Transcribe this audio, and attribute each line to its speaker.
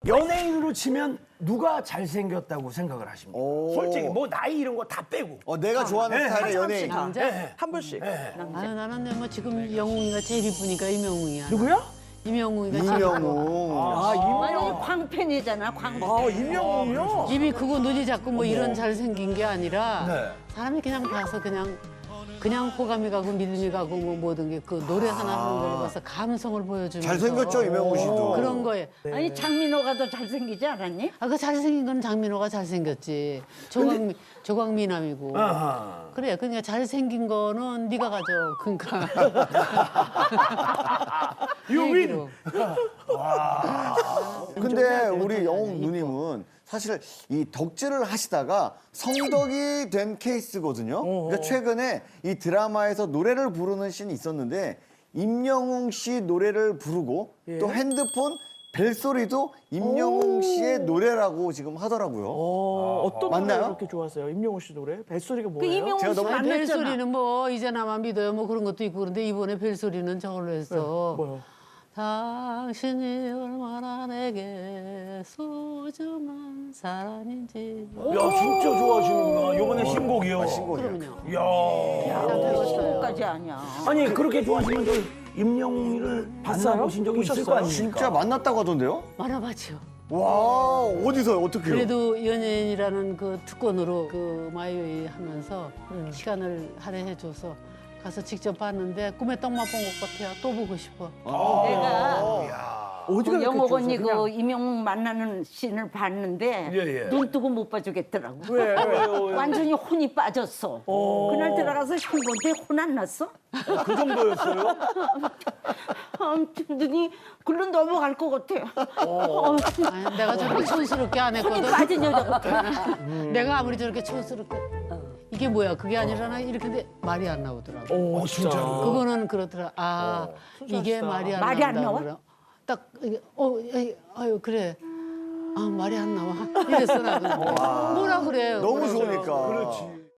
Speaker 1: 연예인으로 치면 누가 잘생겼다고 생각을 하십니까? 솔직히 뭐 나이 이런 거 다 빼고.
Speaker 2: 내가 좋아하는
Speaker 1: 네,
Speaker 2: 스타일의 연예인.
Speaker 3: 남자?
Speaker 4: 한 분씩.
Speaker 3: 아유 나는 뭐 지금 영웅이가 제일 이쁘니까 이명웅이야.
Speaker 1: 누구야?
Speaker 3: 이명웅이가 제일 이뻐.
Speaker 2: 이명웅.
Speaker 4: 임영웅.
Speaker 5: 광팬이잖아, 광팬.
Speaker 4: 임영웅이요?
Speaker 3: 입이 크고 눈이 작고 뭐 이런 잘생긴 게 아니라
Speaker 1: 네.
Speaker 3: 사람이 그냥 봐서 그냥 호감이 가고 믿음이 가고 뭐 모든 게 그 노래 하나 하는 걸 봐서 감성을 보여주면서
Speaker 2: 잘생겼죠, 이명웅 씨도.
Speaker 3: 그런 거에
Speaker 5: 아니, 장민호가 더 잘생기지 않았니?
Speaker 3: 그 잘생긴 건 장민호가 잘생겼지. 조광미남이고.
Speaker 1: 아하.
Speaker 3: 그래, 그러니까 잘생긴 거는 네가 가져. 그러니까.
Speaker 1: 유민.
Speaker 2: 근데 우리 영웅 누님은 사실 이 덕질을 하시다가 성덕이 된 케이스거든요. 그러니까 최근에 이 드라마에서 노래를 부르는 씬이 있었는데 임영웅 씨 노래를 부르고 또 핸드폰 벨소리도 임영웅 씨의 노래라고 지금 하더라고요.
Speaker 4: 어떤
Speaker 2: 맞나요?
Speaker 4: 노래 그렇게 좋아하세요? 임영웅 씨 노래? 뱃소리가
Speaker 5: 그
Speaker 4: 뭐예요?
Speaker 5: 이명웅
Speaker 2: 제가
Speaker 5: 씨
Speaker 2: 너무
Speaker 5: 만났잖아.
Speaker 3: 벨소리는 뭐 이제 나만 믿어요. 뭐 그런 것도 있고 그런데 이번에 벨소리는 저걸로 했어.
Speaker 4: 뭐요?
Speaker 3: 당신이 얼마나 내게 소중한 사람인지.
Speaker 1: 야 진짜 좋아하시는구나. 요번에 신곡이요.
Speaker 3: 그럼요.
Speaker 1: 야.
Speaker 5: 신곡까지 아니야.
Speaker 1: 아니 그렇게 좋아하시면 저 임영웅이를 만나보신 적이 있을 거 아닙니까?
Speaker 2: 진짜 만났다고 하던데요?
Speaker 3: 만나봤죠.
Speaker 2: 와, 어디서요? 어떻게요?
Speaker 3: 그래도 연예인이라는 그 특권으로 그 마이웨이 하면서 시간을 할애해줘서 가서 직접 봤는데 꿈에 떡만 본 것 같아요. 또 보고 싶어.
Speaker 5: 내가
Speaker 4: 어디가
Speaker 5: 그 영옥 언니
Speaker 4: 그냥...
Speaker 5: 그 이명웅 만나는 씬을 봤는데
Speaker 1: 예.
Speaker 5: 눈 뜨고 못 봐주겠더라고.
Speaker 4: 왜?
Speaker 5: 완전히 혼이 빠졌어. 그날 들어가서 형부한테 혼 안 났어?
Speaker 1: 그 정도였어요?
Speaker 5: 눈이 글로 넘어갈 것 같아.
Speaker 3: 아니, 내가 저렇게 촌스럽게 안
Speaker 5: 혼이
Speaker 3: 했거든.
Speaker 5: 빠진 여자 같아.
Speaker 3: 내가 아무리 저렇게 촌스럽게 이게 뭐야 그게 아니라나 이렇게 근데 말이 안 나오더라고.
Speaker 1: 진짜로.
Speaker 3: 그거는 그렇더라. 아 이게 말이 안
Speaker 5: 말이 안
Speaker 3: 나온다
Speaker 5: 나와?
Speaker 3: 그래. 딱 이게 아유 그래. 아 말이 안 나와. 이랬어 나도. 뭐라 그래요.
Speaker 2: 너무
Speaker 3: 그래서.
Speaker 2: 좋으니까.
Speaker 1: 그렇지.